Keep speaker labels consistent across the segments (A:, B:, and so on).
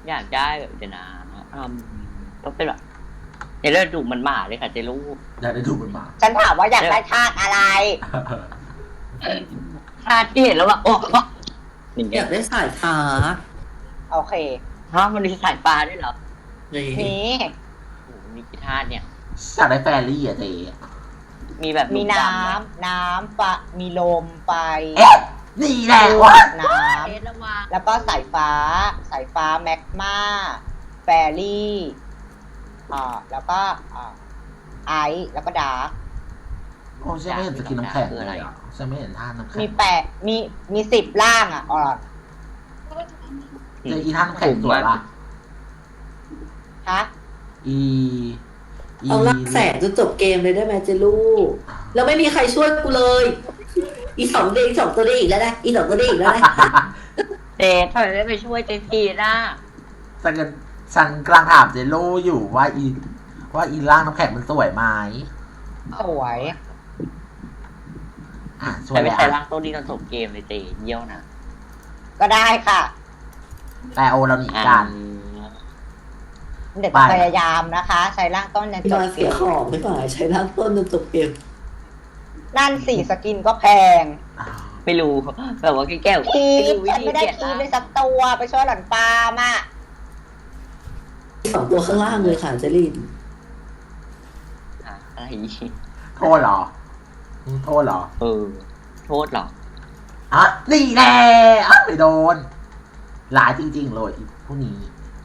A: อยากได้แบบเดี๋ยวนะก็เป็นแบบในเรื่องดุมันหมาเลยค่ะเจลูก
B: อยากได้ดูมันมา
C: ฉันถามว่าอยากได้ธาตุอะไร
A: ชาติที่เห็นแล้วว่าโอ้อย่าง
D: อ
A: เงี้
D: ยาย กได้สายฟ้า
C: โอเค
A: ฮะมันมีสายฟ้าด้วยเหรอ
D: นี่
C: นี่
A: โอ้โหมีกี่ธาตุเนี่ย
B: อยากได้แฟรี่อะเจ๊
A: มีแบบ
C: มี
A: ดำ
C: น้
A: ไหม
C: ำน้ำปะมีลมไฟ
B: เอ๊ะนี่แหละวะ
C: น้
A: เอ๊ะระวัง
C: ำแล้วก็สายฟ้าแมกมาแฟรี่แล้วก็ไอซ์แล้วก็ดาร์ก
B: โอ้ฉันไม่เห็นสกินน้ำแข็งเลยอ่ะฉันไม่เห็นท่าน้ำแข็ง
C: มี10ร่างอ่ะอ๋อ
B: เจออีท่าน้ำแข็งตัวละ
C: ฮะ
B: อี
D: เอาลักแสนจนจบเกมเลยได้ไหมเจลูกแล้วไม่มีใครช่วยกูเลย อีสองตัวได้อีกแล้วนะอีสองตัวได้อีกแล้วนะ
A: เจ๊ทำไมไม่ไปช่วยเจพีน่ะ
B: ฉันกำลังถามเจโลอยู่ว่าอีร่างน้ำแข็งมันสวยไหม
C: สวย
B: สวย
A: แต่ไม่
B: แล้ว
A: ใช่ร่างต้นนี้ตอนจบเกมเลยเจ๊เยี่ยวนะ
C: ก็ได้ค่ะ
B: แต่โอเราหนีกัน
C: เดี๋ยวจะพยายามนะคะ ใช้ร่างต้นใน
D: ที่
C: จบ
D: มา
C: เก
D: เสีย
C: ม
D: ของไม่ป่าใช้ร่างต้นจนจบเกม
C: นั่นสี่สกินก็แพง
A: ไม่รู้แบบว่าแก้ว
C: คีบ
A: วิ
C: ฉัน
A: ธี
C: ไม่ได้
A: เปลี่ยน
C: คีบ
A: ร่าง
C: เลยสักตัวไปช่วยหล่อนปาล์มอ่ะ
D: สองตัวข้างล่างเลยค่ะเจลิน
A: อะไร
B: โทษเหรอโทษเหรอ
A: โทษเหรอ
B: นี่แน่ไม่โดนหลายจริงๆเลยผู้นี้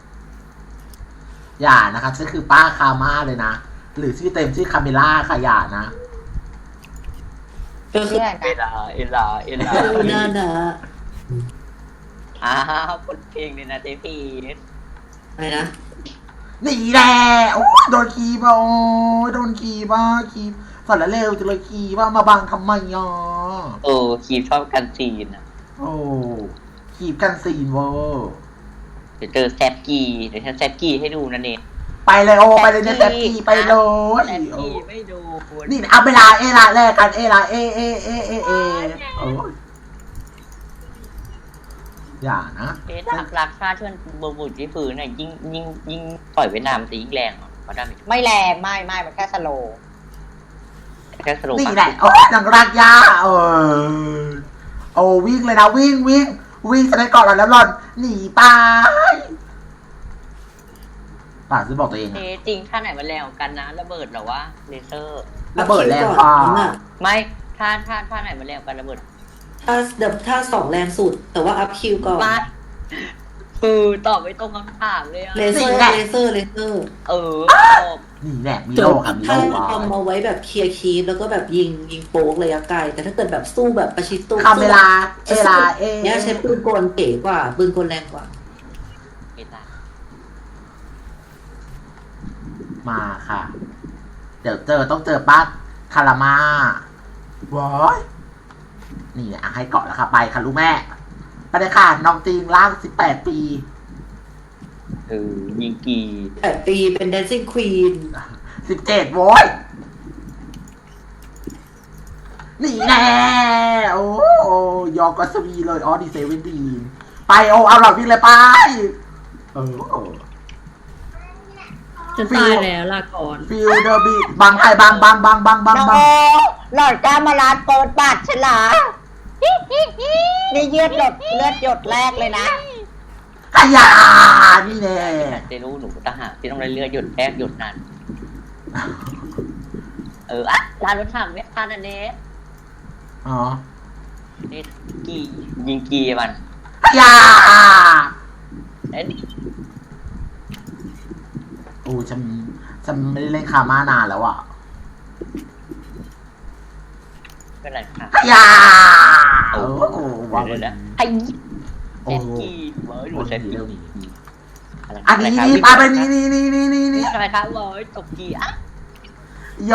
B: อย่านะครับฉันคือป้าคาม่าเลยนะ หรือชื่อเต็มชื่อคาเมล่าค่ะอย่านะ
D: ก็คือ
C: เพื่อน
A: เอ
C: นะ
A: ลา
D: ดูหน้านะ
A: คนเพลงเลยนะเจพี
D: อะไรนะ
B: นี่แน่โอ้โดนคีบโอ้โดนคีบ้าคีบสารเร็วจะเลยคีบ้ามาบังทำไมอ่ะ
A: คีบชอบกันซีนอ่ะ
B: โอ้คีบกันซีนเวอร์
A: เดี๋ยวเจอแซบกีเดี๋ยวฉันแซบกีให้ดูนะเนท
B: ไปเลยโอไปเลยเนี่ยแซบกีไปเลย
A: แซบกีไม่ดู
B: นี่เอาเวลาเอละแรกกันเอละเอโอ้อย่านะ
A: รักชาติเชิญบุตรที่ฝืนน่ะยิ่งปล่อยเวียดนามตียิ่งแรงเพราะได้
C: ไม่แรงไม่มันแค่สโลว์
A: แค่สรุป
B: นี่แหละโอ้นังรักยาโอ้วิ่งเลยนะวิ่งจะได้เกาะหล่อนแล้วหล่อนหนีไปป่าซื้อบอกตัวเอง
A: เทจริงท่าไหนมันแรงกันนะระเบิดหรอวะเลเซอร์
B: ระเบิดแรงกว่า
A: ไม่ท่าไหนมันแรงกันระเบิด
D: ถ้าสองแรงสุด แต่ว่าอัพคิวก่อน
A: มาตอบไม่ตรงคำถามเลยอะ
D: เลเซอร์
B: นี่แหละมี
D: จ
B: โล
D: บ
B: ค่ะมี
D: ถ้า
B: โล
D: ทำเอาไว้แบบเคลียร์คีฟแล้วก็แบบยิงโป๊กระยะไกลแต่ถ้าเกิดแบบสู้แบบประชิดตัว
B: คำเวลา
D: เนี่ยใช้ปืนกลเก๋กว่าปืนกลแรงกว่า
B: มาค่ะ เดี๋ยวต้องเจอป้าคารามาว้ายนี่ให้เกาะแล้วค่ะไปค่ะลูกแม่ไปเลยค่ะน้องจริงร่าง18 ปี
A: ยิงกี
D: 8 ปีเป็น Dancing Queen
B: 17โว้ยนี่แน่โอ้ยอกอสวีเลยดี17ไปเอาหลอดวิ่งเลยไป
E: จะตายแล้วลาก่อน
B: ฟิลเดอร์บีบังใครบัง
C: น้องโอหลอดกล้ามาลาดเปิดบัตรฉันเหรอนี่เลือดหยดแรกเลยนะ
B: ขยานี่แน่
A: เจรู้หนูทหารที่ต้องได้เลือดหยดแรกหยดนั้นร้านรถถังเนี่ยท่านอันนี้นี่กียิงกีมัน
B: ขยาฉันไม่ได้เล่นคาม่านานแล้วอ่ะ
A: เป็นไรค่ะ
B: ขยา
A: ว่าเลยนะไอ้เซฟกีเว้ยหนูเซฟกี
B: อันนี้ไปนี่
A: อะไรคะเว้ยตกกี
B: โย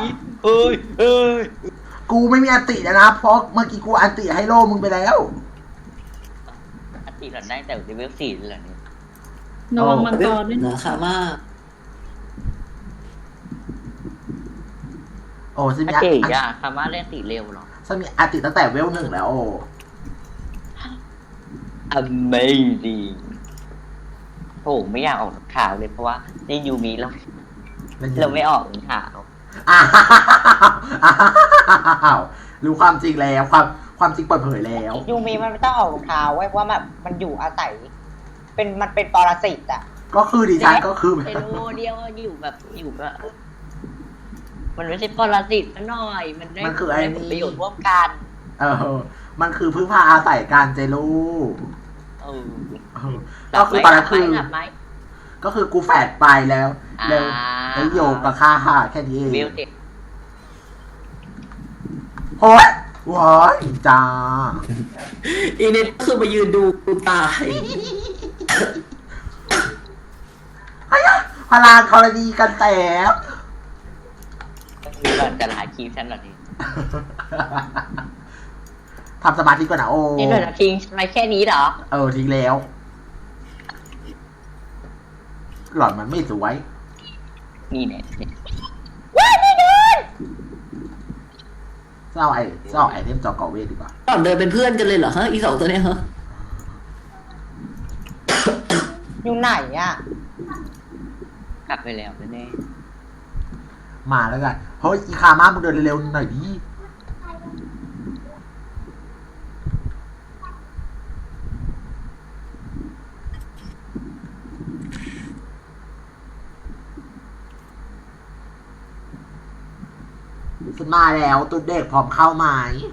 B: กูไม่มีอันติแล้วนะเพราะเมื่อกี้กูอันติให้โลมึงไปแล้ว
A: อันติหลังได้แต่เลเวล4เลยนี่
E: ระวังมังกรด้วย
D: นะค่ะมาก
B: ฉันมี
A: เก๋อะคาม่าเล่นตีเร็วหรอ
B: ฉันมีอันติตั้งแต่เวล 1แล้ว
A: Amazing โอ้ไม่อยากออกข่าวเลยเพราะว่าในยูมีเราไม่ออกข่าว
B: อ้าวอ้าวรู้ความจริงแล้วความจริงเปิดเผยแล้ว
C: ยูมีมันไม่ต้องออกรองเท้าไว้เพราะว่ามันอยู่อาศัยมันเป็นปรสิตอ่ะ
B: ก็คือดิฉันก็คือ
A: เซโลเดียวอยู่แบบมันไม่ใช่ปรสิตซะหน่อย มันได้ผลประโยชน์ร่วมกัน
B: มันคือพึ่งพาอาศัยการเจลูกก็คือตอนนั้นคือก็คือกูแฝดไปแล้วโยกกับค่าแค่นี้เองโอ้ยว้ายจ้า
D: อีนี่คือมายืนดูกูตาย
B: พลานธรณีกันแตก
A: มีก่อนจะหาคีย์ฉันหรอนี่
B: ทำสมาธิก่อนนะโอ้
A: นี่หน่อยนะทิ้งไปแค่นี้เหรอ
B: ทิ้งแล้วหล่อนมันไม่สวย
A: นี่เนี่ย
B: เจ้าไอเทมจอเกาะเวทดีกว่า
D: ก่อนเดินเป็นเพื่อนกันเลยเหรอฮะอีสองตัวเนี้ยฮะ
C: อยู่ไหนอ่ะ
A: กลับไปแล้วแน่
B: มาแล้วกันเฮ้ยอีคามามึงเดินเร็วๆหน่อยดิฉันมาแล้วตุ๊ดเด็กพร้อมเข้าไหม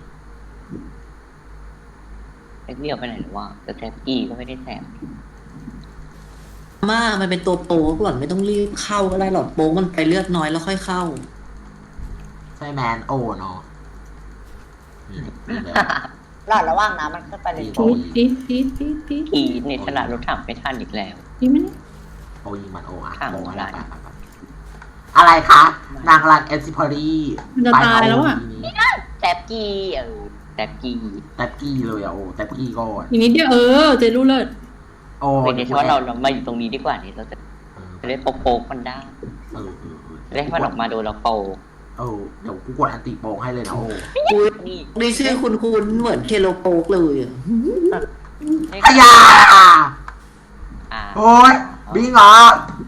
A: แท็กเดียวไปไหนหรือว่าแต่แท็กกี้ก็ไม่ได้แถม
D: มันเป็นตัวโป๊กหล่อนไม่ต้องรีบเข้าก็ได้หล่อนโป๊กมันไปเลือดน้อยแล้วค่อยเข้า
B: ใช่แมนโอเนาะนี่เลย
C: รอดระว่างน้ำมันขึ้นไปในโถ
E: พีท
A: กีในขณะรถถังไม่ทันอีกแล้ว
E: นี่ไม่ได้
B: โอยิงมันโออะ
A: ข้าง
B: โอ
A: หัว
B: อะไร
A: ไหล่
B: อะไรคะนางรันเอซิพอรี
E: มันจะตายแล้วอ่ะ
A: แท็กกี้แท็กกี้
B: แท็บกี้เลยอะโอแท็บกี้ก่อน
E: อีกนิดเดียวเจรู้เลิศ
B: โอ้
A: เป็นในที่ว่าเรามาอยู่ตรงนี้ดีกว่านี่เราจะได้โป๊กมันได้ได้ให้มันออกมาโดนเราโป๊ก
B: เดี๋ยวกูกดอันติโปงให้เลยนะโอ้
D: อุ้ย
A: นี่
D: นี่ชื่อคุณเหมือนเคโลโป๊กเลยอะ
B: ขยะ
A: อ่า
B: โอ้ยบิงเหรอ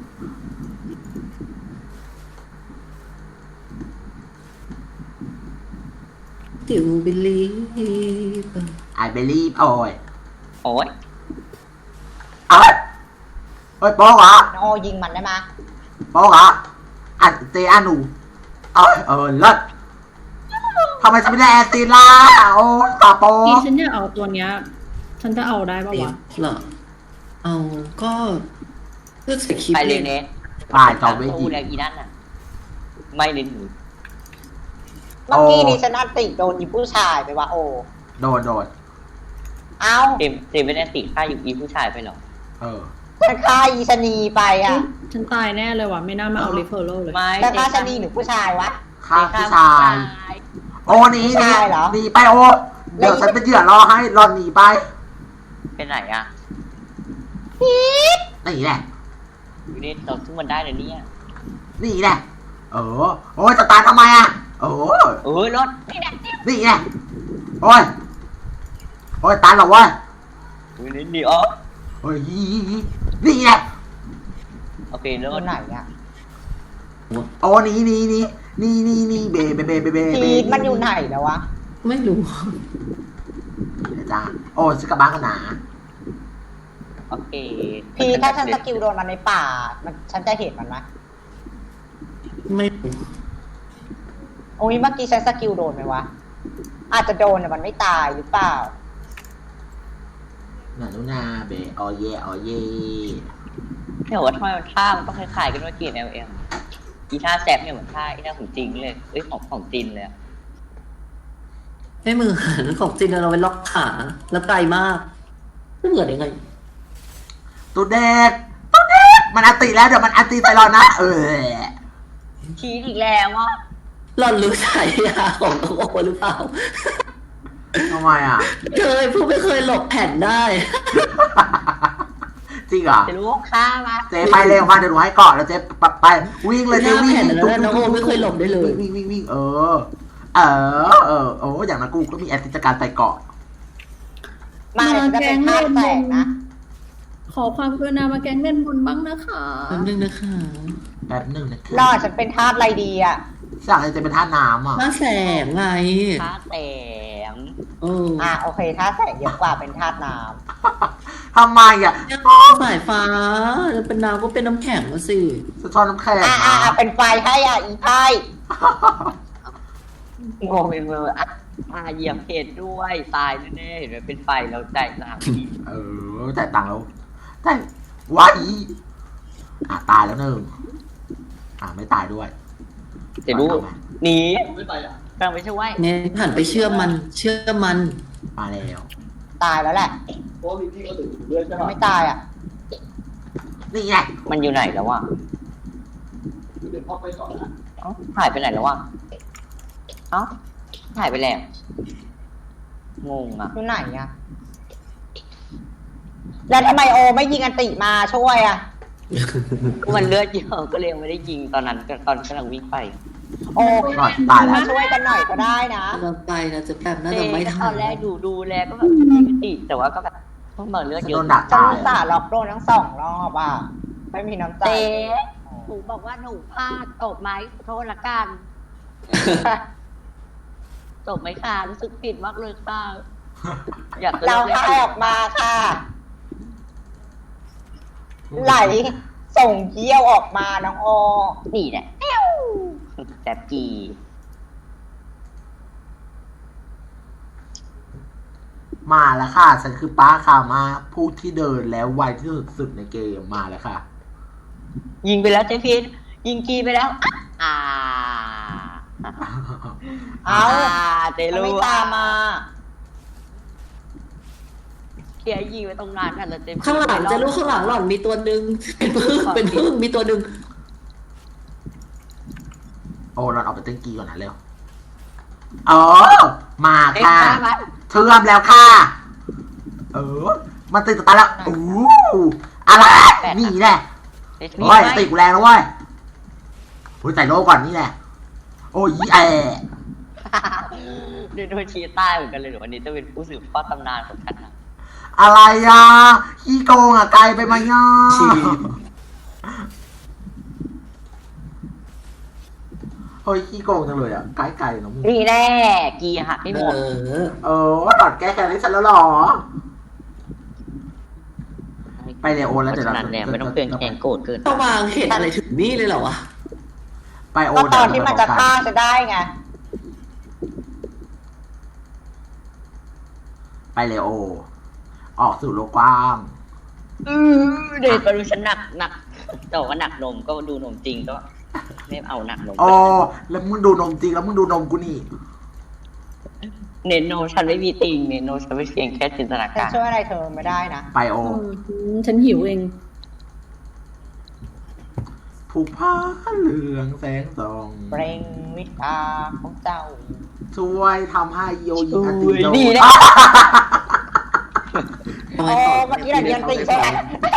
D: ติวบิลลี่
B: ไอเบลีฟโอ้ย
A: โอ้ย
B: เอ้ยโป๊กเหรอ
C: โอยิงมันได้ไหม
B: โป๊กเหรออัดเจอานูเลิศทำไมฉันไม่ได้แอนตีล่ะโอ้ตาโป๊
E: ที่
B: ก
E: ฉันจะเอาตัวเนี้ย ฉันจะเอาได้ป่าวะ
D: เหรอเอาก็เลือกใส่คลิป
A: ไปเล
D: เลย ย
A: เนส
B: ฝ่ายจอมเว
A: ตู้
B: ที
A: แล้วอีนั่นน่ะ ไม่เล่นหนู
C: เมื่อกี้นี่ฉันอัดติโดนอีผู้ชายไปว่าโอ
B: โดน
C: เอ้า
A: เจมไม่ได้ติดค่าอยู่อีผู้ชายไปหรอ
C: ฉันฆ่าอีชะนีไปอ่ะ
E: ฉันตายแน่เลยว่ะไม่น่ามาเอาริเฟอร์โลเลย
A: ไม่
C: แล้วฆ่าชะนีหรือผู้ชายวะ
B: ฆ่าผู้ชาย โอ้หนี
C: ผู้ชายเหรอ
B: หนีไปโอ้เดี๋ยวฉันเป็นเหยื่อรอให้รอหนีไป
A: เป็นไหนอ่ะ
B: นี่แหละ
A: อยู่นี่เราซึ่งมันได้เลยเนี่ย
B: นี่แหละโอ้ยจะตายทำไมอ่ะ
A: รถนี่แหละ
B: นี่แหละโอ้ยตายหรอวะ
A: อยู่นี่นี่อ๋อ
B: นี่แหละ
A: โอเคร
C: ตัว
A: ถ
C: ไหนอ่ะ
B: โอ้นี่เบ
C: พีทมันอยู่ไหนแล้ววะ
D: ไม่รู้
B: จ้าโอ้ชิกาบ้าขนา
A: โอเค
C: พีทถ้าฉันสกิลโดนมันในป่าฉันจะเห็นมันไหม
D: ไม่รู้
C: โอ้ยเมื่อกี้ฉันสกิลโดนไหมวะอาจจะโดนแต่มันไม่ตายหรือเปล่า
B: นาเบอเย่
A: เดี๋ยวว่าทำไมมันท่ามันต้องคล้ายๆกันว่าเกียร์ LM อีท่าแซบเนี่ยเหมือนท่าอีท่าของจริงเลยของจริงเลย
D: ไม่เหมือนของจริงเราไปล็อกขาแล้วไกลมากไม่เหมือนยังไง
B: ตัวเด็กมันอันติแล้วเดี๋ยวมันอันติไปรอนะ
A: ชี้อีกแล้วอ่ะ
D: หล่อนรู้ฉายาของน้องโอหรือเปล่า
B: ทำไมอ่ะ
D: เคยผู้ไม่เคยหลบแผ่นได้
B: จริงเหรอ
A: จะรู้ว่าฆ่ามา
B: เจ๊ไปเร็วมาเดี๋ยวหนูให้เกาะแล้วเจ๊ไปวิ่งเลย
D: ห
B: เจ๊
D: น้า
B: วิ่ง
D: แผ่นแล้วน้องโอไม่เคยหลบได้เลย
B: วิ่งโอ้อย่างนั้นกูก็มีแอสซิสต์การใส่เกาะ
C: มาเดี๋ยวจะเป็นภาพแตกนะ
E: ขอความกรุณามาแกงเล่นบนบ้างนะคะ
D: แป๊บนึงนะคะ
B: แป๊บหนึ่งนะคะ
C: รอดฉันเป็นทาสอะไรดีอ่ะ
B: สั่งอะไรจะเป็นท่าน้ำอ่ะ
D: มาแสงไง
A: ท่าแสง
D: เออ
C: โอเคทาสแสงเยอะกว่าเป็นทาสน้
B: ทำไมอ่ะ
D: สายฟ้าจะเป็นน้ำก็เป็นน้ำแข็งมาสิ
B: สะท้อนน้ำแข็ง
C: ำเป็นไฟให้อีไพ่
A: งงเป็นเบอร์เหยียบเห็ดด้วยตายแน่ๆเห็นไหมเป็นไฟแล้วใจตามที
B: จ่ายตังค์แล้วจ่ายว้ายตายแล้วหนึ่งไม่ตายด้วย
A: จะรู้หนีกำลังไปช่วย
D: เนี่ยหันไปเชื่อมัน เชื่อมัน
B: มาแล้ว
C: ตายแล้วแหละไม่ตายอ่ะ
B: นี่ไง
A: มันอยู่ไหนแล้ววะเอ้าหายไปไหนแล้ววะเอ้าหายไปแล้วงงอ่ะ
C: อยู่ไหนอ่ะแล้วทำไมโอไม่ยิงอันติมาช่วยอ่ะ
A: มันเลือดเยอะก็เลยไม่ได้ยิงตอนนั้นตอนกำลังวิ่งไป
C: โอ้
B: ก่อนตายแล้ว
C: มาช่วยกันหน่อยก็ได้นะ
D: กำลังไปนะจะแป๊บน่าจะไม่ทั
A: ตอน นแรกดูแลก็แบบไม่ติแต่ว่าก็แบบเพิ่งมาเลือดเย
B: โด
A: อะ
B: นดัก
C: ฉัน
B: ตาย
C: อุตส่าห์ล็อกโดนทั้ง2 รอบอ่ะ ไม่มีน้ำใจ
A: เต้หนูบอกว่าหนูพลาดตบไหมขอโทษละกันตบไหมค่ะรู้สึกผิดมากเลยค่ะอยากจะ
C: เรา
A: เลิก
C: ให้ออกมาค่ะ ไหลส่งเยี่ยวออกมาน้องโอ
A: นี่แหละแซ่บจี
B: มาแล้วค่ะ ฉันคือป้าค่ะมาผู้ที่เดินแล้วไวที่สุดในเกมมาแล้วค่ะ
A: ยิงไปแล้วเจฟินยิงกีไปแล้ว
C: เอา
A: เจ
C: ทำ
A: รู้
C: ไม่ตามมา
A: เคียยิงไปตรงนั้นกันแล้วเจฟิน
D: ข้างหลังจะรู้ข้างหลังหล่อนมีตัวหนึ่งเป็นพึ่งมีตัวหนึ่ง
B: โอ้เราเอาไปเต้นกีก่อนนะเร็วมา
A: เอ๊ะ
B: ค่ะ
A: มา
B: เชื่อมแล้วค่ะ มันติดตาแล้วอะไรนี่แหละ
A: เจฟิน
B: โอ้ยติดกูแรงแล้วเว้ยใส่โล่ก่อนนี่แหละ โอ้ย
A: ดูชี้ใต้เหมือนกันเลยหรือวันนี้จะเป็นผู้สืบทอดตำนานของฉันนะ
B: อะไรอ่ะขี้โกงไกลไปไหมย่าเฮ้ยขี้โกงจังเลยอ่ะไกลๆนะมึง
A: นี่แน่กีหักไม่หมด
B: ตัดแก้แค้นให้ฉันแล้วหรอ ไปเลยโอนแล้ว
A: เพ
B: เดี๋ยว
A: ราะ
B: เรา
A: ฉะนั้นเนี่ยไม่ต้องเตือนแกงโกรธเกิน
D: ต้องวางเห็นอะไรถึงนี่เลยเหรอวะ
B: ไปโอ
C: ก็
B: น
C: ตอนที่มันจะฆ่าจะได้ไง
B: ไปเลยโอ ออกสู่โลกกว้าง
A: เด็กก็ดูฉันหนักแต่ว่าหนักนมก็ดูนมจริงก็ไม่เอาหนักนม
B: อ๋อแล้วมึงดูนมจริงแล้วมึงดูนมกูนี่
A: เน้นนมฉันไม่มีติงเน้นนมฉันไม่เพียงแค่จินตนา
C: ฉัน
A: การ
C: ช่วยอะไรเธอไม่ได้นะ
B: ไปโอ
E: ฉันหิวเอง
B: ผูกผ้าเหลืองแสงส่อง
C: เปล่งวิชาของเจ้า
B: ช่วยทำให้โยยิงอันตีโด
A: ดี
B: น
A: นะ
C: โอ้เมื่อกี้เราเรียนตีใช่ไหม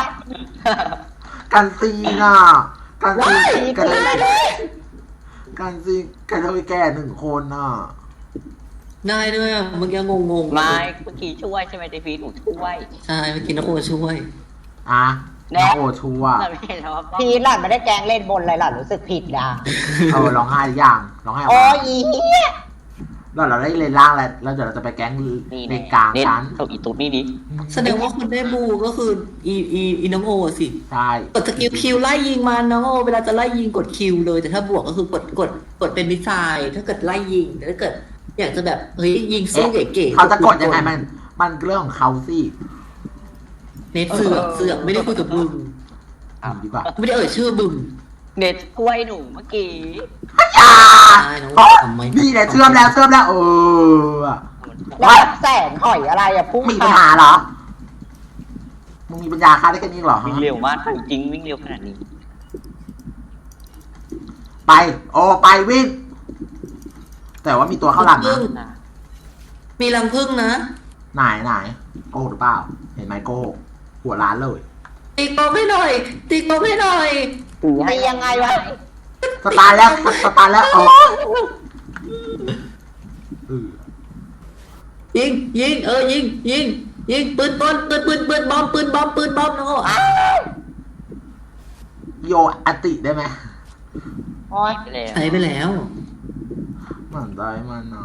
B: กันซีน่ะกันซี
C: ตี
B: กัน
C: ตีมาดิ
B: กันซีกันเทยแก่1 คนน่ะ
D: ได้ด้วยอ่ะเมื่อกี้งงๆ
A: ไม่เมื่อกี้ช่วยใช่ไหมเดฟีหนูช่วย
D: ใช่เมื่อกี้นักโอช่วย
B: อ่ะ
A: แน่
B: น้องโอชัวร์
A: แต่ไม่เห็นแล้วว่า
C: พีทหล่อนไม่ได้แกล้งเล่นบนเลยหล่อนรู้สึกผิดอ่ะ
B: ร้องไห้หรือยังร้องไห้ออก
C: โอ้
B: มาย
C: อีเหี้ย
B: แล้วเราได้เลนล่างแล้วเดี๋ยวเราจะไปแก๊ง
A: นี่
B: เลนกลาง
A: เน้น
B: ชั้น
A: ส่งอีตุ๊ดนี่ดิ
D: แสดงว่าคนได้บูก็คืออีน้องโอสิ
B: ใช่
D: กดสกิลคิวไล่ยิงมันน้องโอเวลาจะไล่ยิงกดคิวเลยแต่ถ้าบวกก็คือกดเป็นมิสไซล์ถ้าเกิดไล่ยิงแต่ถ้าเกิด อยากจะแบบเฮ้ยยิงสู้เก๋ๆ
B: เขาจะกดยังไงมันเรื่องของเขาสิ
D: เน็ตเสือกไม่ได้คุยกับมึง
B: ดีกว่า
D: ไม่ได้เอ่ยชื่อมึง
A: เน็ตช่วยหนูเมื่อกี้
D: ใช่น้อง
B: อ๋อ
D: ทำไม
B: นี่แหละเชื่อมแล้ว
C: แล้วแบบแสงหอยอะไรอะพุ่ง
B: มีปัญหาเหรอ มึงมีปัญญาฆ่าได้แค่นี้เหรอฮะ
A: วิ่งเร็วมากจริงวิ่งเร็วขนาดนี้
B: ไปไปวิ่ง แต่ว่ามีตัวเข้าหลังนะ
A: นะ
D: มีรังผึ้งนะ
B: ไหนโกหรือเปล่า เห็นไหมโกหกหัวร้านเลย
D: ตีกบให้หน่อยตีกบให้หน่อย
C: ตียังไงวะ
B: สตาร์ทแล้วเออ
D: ยิงยิงยิงยิงปืนบอลปืนบอมน้องโออ้าว
B: โยอติได้ไหม
C: โอ้ย
A: ไปแล้ว
D: ใช้ไปแล้ว
B: มันได้มันอ่ะ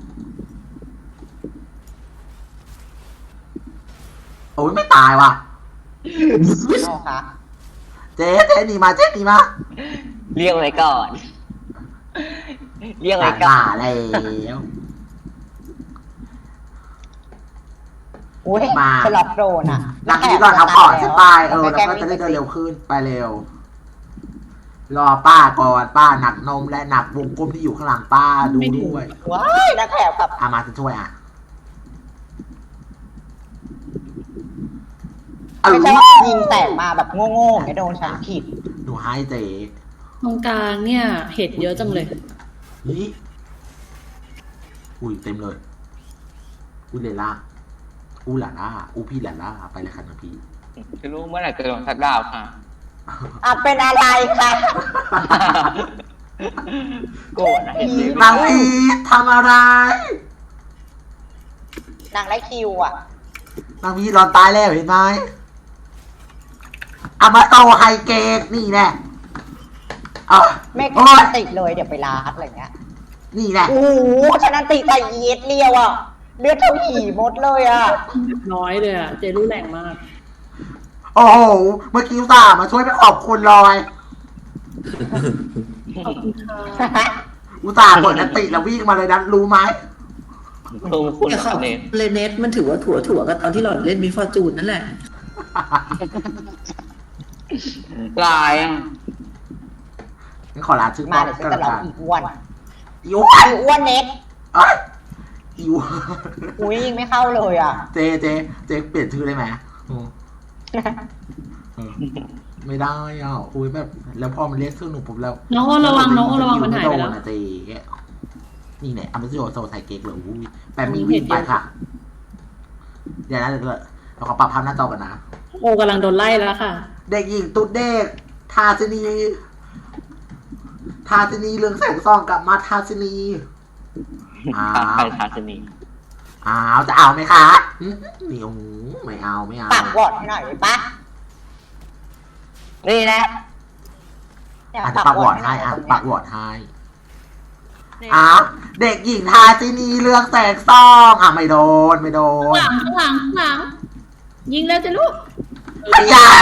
B: โอ้ยไม่ตายว่ะ
C: โอ้ค่ะ
B: เจ๊หนีมา
A: เรียกไว้ก่อน เรียกไว้ก่อ
B: มาน แล้ว
C: อุ้ย
B: มา
C: สลับโดนอ่ะ
B: นักนี้ก่อนเอาก่อนขึ้นไปแล้วก็จะได้เดินเร็วขึ้นไปเร็ว รอป้าก่อนป้าหนักนมและหนักวงกลมที่อยู่ข้างหลังป้าดูด้วย
C: ว้ายนักแข่งกับ
B: มาจะช่วยอ่ะ
C: ไม่ใช่ว่ายิงแตกมาแบบโง่ๆไม่โดนฉันขีด
B: หนูให้เจ๊
E: ตรงกลางเนี่ย เห็ดเยอะจังเลย
B: นี่อุ้ยเต็มเลยอุ้ยเลล่าอู้หล่าล่าอู้พี่หล่าล่าไปเลยค่ะน้องพี่
A: จะรู้เมื่อไหร่จะโดนทักดาวค่ะ
C: อ่ะเป็นอะไรคะ
A: โกรธนะเห็นไหม
B: นางพีทำอะไร
C: นางไล่คิวอ่ะ
B: นางพีรอนตายแล้วเห็นไหมอามาโตไฮเกตนี่แน่อ่ะ
C: ไม่
B: โอ้ย
C: ติดเลยเดี๋ยวไปลาดอะไรเงี้ย
B: นี่แน่
C: โอ้โหฉันนันติแต่เย็ดเลียวอ่ะเลือดเท่าหี่มดเลยอ่ะ
E: น้อยเลยอ่ะ เจรู้แรงมาก
B: โอ้โหเมื่อกี้อุตส่าห์มาช่วยไปขอบคุณลอย
E: ขอบคุณค่ะ
B: อุตส่าห์กดอันติแล้ววิ่งมาเลยนะรู้ไหม
A: ลงคุณ
D: แต่ขอบ
A: เน้น
D: เลเนสมันถือว่าถั่วกันตอนที่หล่อนเล่นมิฟอร์จูนนั่นแหละ
A: ลายอ่ะ
B: งั้นขอลาชื่อ
C: มา
B: ป้อม
C: เดี๋ยวฉั
B: กัน
C: นจะ
B: ละ
C: ร้อง
B: กัน
C: อีกอ้วน
B: อิว
C: ไอ้อ้วนเน็ต
B: เอ้ยอิว
C: อุ้ยยิงไม่เข้าเลยอ่ะ
B: เจเปลี่ยนชื่อได้ไหมอืมเออไม่ได้อ่ะอุ้ยแบบ แล้วพอมันเรียกชื่อหนูปุ๊บแล้ว
E: น้องโอระวังน้องโอระวังมันหายไปแล้ว
B: ม่โดะเจนี่เนี่ยอามาซิโอโซไซเก๊กเลยอุ้ยแปมมี่วิ่งไปค่ะ เดี๋ยวนะเดี๋ยวเราขอปรับภาพหน้าจอกันนะ
E: โอกำลังโดนไล่แล้วค่ะ
B: เด็กหญิงตุ๊ดเด็ก ทาสินีเรืองแสงซองกลับมาทาสินีอ้า
A: ไป
B: ว
A: ทาสนี
B: อ้าวจะเอาไหมคะหึนี่โอ้โหไม่เอา
C: ปากวอดให้หน่อยได้ปะ
A: นี่นะ
C: เนี่ย
B: อาจจะปักวอร์ดให้อ่ะปักวอร์ดให้อ้าวเด็กหญิงทาสินีเรืองแสงซองอ่ะไม่โดน
E: ข้างหลัง ยิงแล้วจะลูก
B: อย่า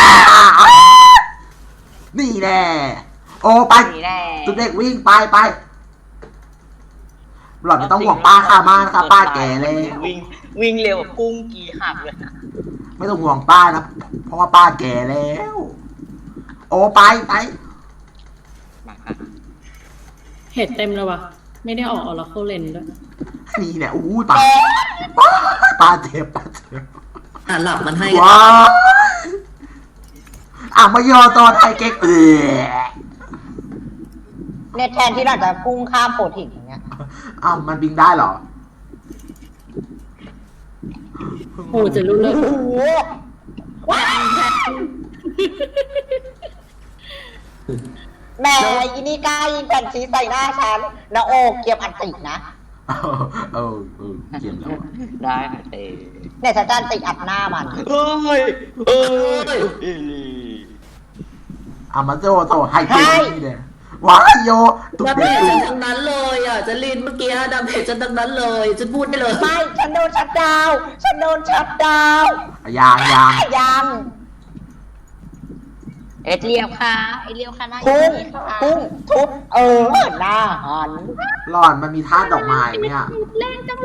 B: นี่แน่โอ้ไป
A: นี่แน่
B: ตุ๊ดเด็กวิ่งไปหล่อนไม่ต้องห่วงป้าค่ะมากนะคะป้าแก่แล้ว
A: วิ่งเร็วกว่ากุ้งกีหักเลยนะ
B: ไม่ต้องห่วงป้านะ เพราะว่าป้าแก่แล้ว โอ้ไป
A: มาค่ะ
E: เห็ดเต็มเลยว่ะ ไม่ได้ออกออร์เคิลเลนด้วย
B: นี่เนี่ยอู้ยป้าเจ็บ
D: อ่ะหลับมันให้
B: ว้าวอ่ะมายอตอนไทยเก๊ก
C: เนี่ยแทนที่เราจะพุ่งข้ามโปรตีนอย่างเงี้ย
B: อ้าวมันบินได้เหรอ
E: โอ้เจะรู้เลย
C: โอ้โหว้าวแหม่ยินี่กล้ายิงแผ่นชีสใส่หน้าฉันนะโอเกียมอันตินะ
B: เออเกี่ยมแล้วอะ
A: ได้ค่ะเต้
C: เนี่ยฉันจะอันติอัดหน้ามัน
A: เฮ้ยอีลี
B: อ่ะมาโจโตไฮเก๊กนี่เนี่ยว้ายโยตุ๊ก
D: ดาเม
B: เด็ก
D: จฉันทั้งนั้นเลยอ่ะจะลินเมื่อกี้ดาเมจฉันทั้งนั้นเลยฉันพูดได้เลย
C: ไม่ฉันโดนชัดดาวน์ฉันโดนชัดดาวน์
B: ยาง
C: ยัง
A: เอ็ดเลียวค่ะเอ็ดเลียวค่ะหน้า
C: พุ่ง
A: อีค่ะ
C: พุ่งทุบหน้าหัน
B: หล่อนมันมีท่าดอกไม้เนี่ย
E: แรงจังเลย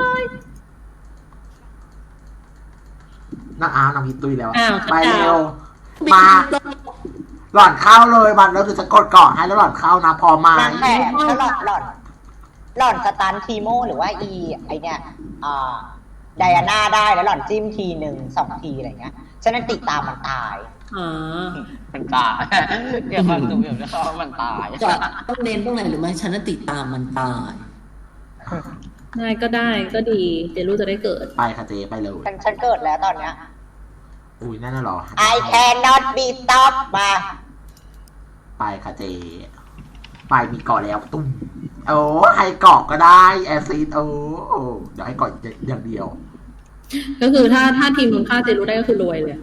B: นักอ้าวนำพิตุยแล้ว
E: อ้าว
B: ไปเร็ว
D: บิน
B: มา หล่อนเข้าเลยมันแล้วเดี๋ยวจะกดเกาะให้แล้วหล่อนเข้านะพอมา
C: นางแขกถ้าหล่อนสตันทีโมหรือว่าไอเนี่ยไดอาน่าได้แล้วหล่อนจิ้มทีหนึ่ง2 ทีอะไรเงี้ยฉะนั้นติดตามมันตาย
E: อ๋อ
A: มันตายเดี๋ยวความตุ้มเดี๋ยวจะเข้ามันตาย
D: จะต้องเน้นตรงไหนหรือไม่ฉันน่ะติดตามมันตาย
E: ได้ก็ได้ก็ดี เจรู้จะได้เกิด
B: ไปค่ะเจไปเลย
C: ฉันเกิดแล้วตอนเนี้ย
B: อุ้ยนั่นน่ะเหรอ
C: I cannot be stopped มา
B: ไปค่ะเจ ไปมีเกาะแล้วตุ้มโอ้ให้เกาะก็ได้ แอซิดโอ้เดี๋ยวให้เกาะอย่างเดียว
E: ก็คือถ้าทีมนู้นฆ่าเจรู้ได้ก็คือรวยเลย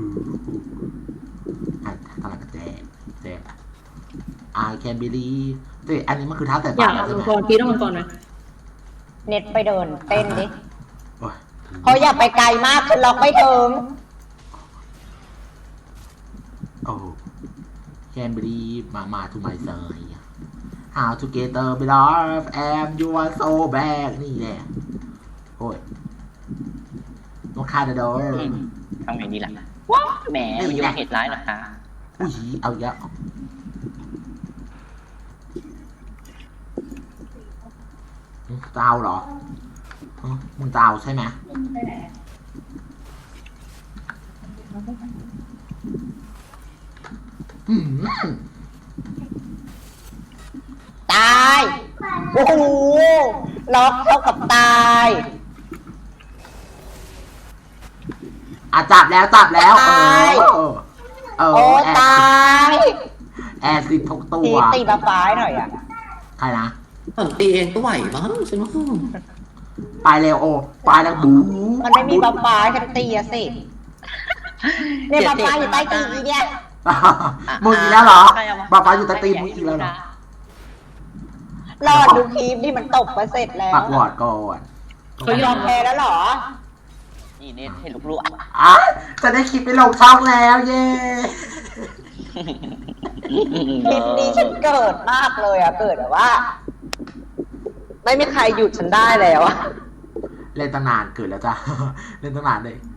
B: อ่ะกำลังจะแจก I can believe แต่อันนี้มันคือท่าแต่
E: อ
B: ปาย
E: าก
B: แล้ว
E: เอา
B: ใช่
E: มัง
B: ไหม
E: กรพี่ต้องมังกรไหม
C: เน็ตไปเดินเต้นดิ
B: โอ้ย
C: เขาอย่าไปไกลมากคือล็อกไม่ถึง
B: โอ้ can believe มา to my side how together belong and you are so bad นี่แหละโอ้ยต้องฆ่าเดอ
A: ทำไงดีล่ะว้าวแหมมันยกเหตุร้ายเหรอคะ
B: อุ้ยเอาเยอะเจ้าเหรอมึงเจ้าใช่ไหมอืม
C: ตายโอ้โหล็อกเท่ากับตาย
B: จับแล้ว
C: โอ้ตาย
B: แอร์สิบทุกตั
C: ที
B: ว
C: ตีมาฟ้ายหน่อยอ่ะ
B: ใครนะ
D: ตีเองก็ไหวมั้งฉันว่า
B: ไปเร็วโอไปแล้วบู
C: มันไม่มีบัฟฟ้าฉันตีอะสิเนี่ยบัฟฟ้าอยู่ใต้ตีนอีเนี่ย
B: มึงอีกแล้วเหรอบ้าฟ้าอยู่ใต้ตีนมึงอีกแล้วเหรอ
C: รอดดูคลิปที่มันตบมาเสร็จแล้ว
B: ปักวอร์ดก่อน
E: เขายอม
C: แพ้แล้วเหรอ
A: นี่เน็ตเห็นลูกๆอ่ะ
B: จะได้คลิปไปลงช่องแล้วเย้
C: คลิปนี้ฉันเกิดมากเลยอ่ะ เกิดแบบว่า ไม่มีใครหยุดฉันได้แล้วอะ
B: เล่นตั้งนานเกิดแล้วจ้ะ เล่นตั้งนานเลย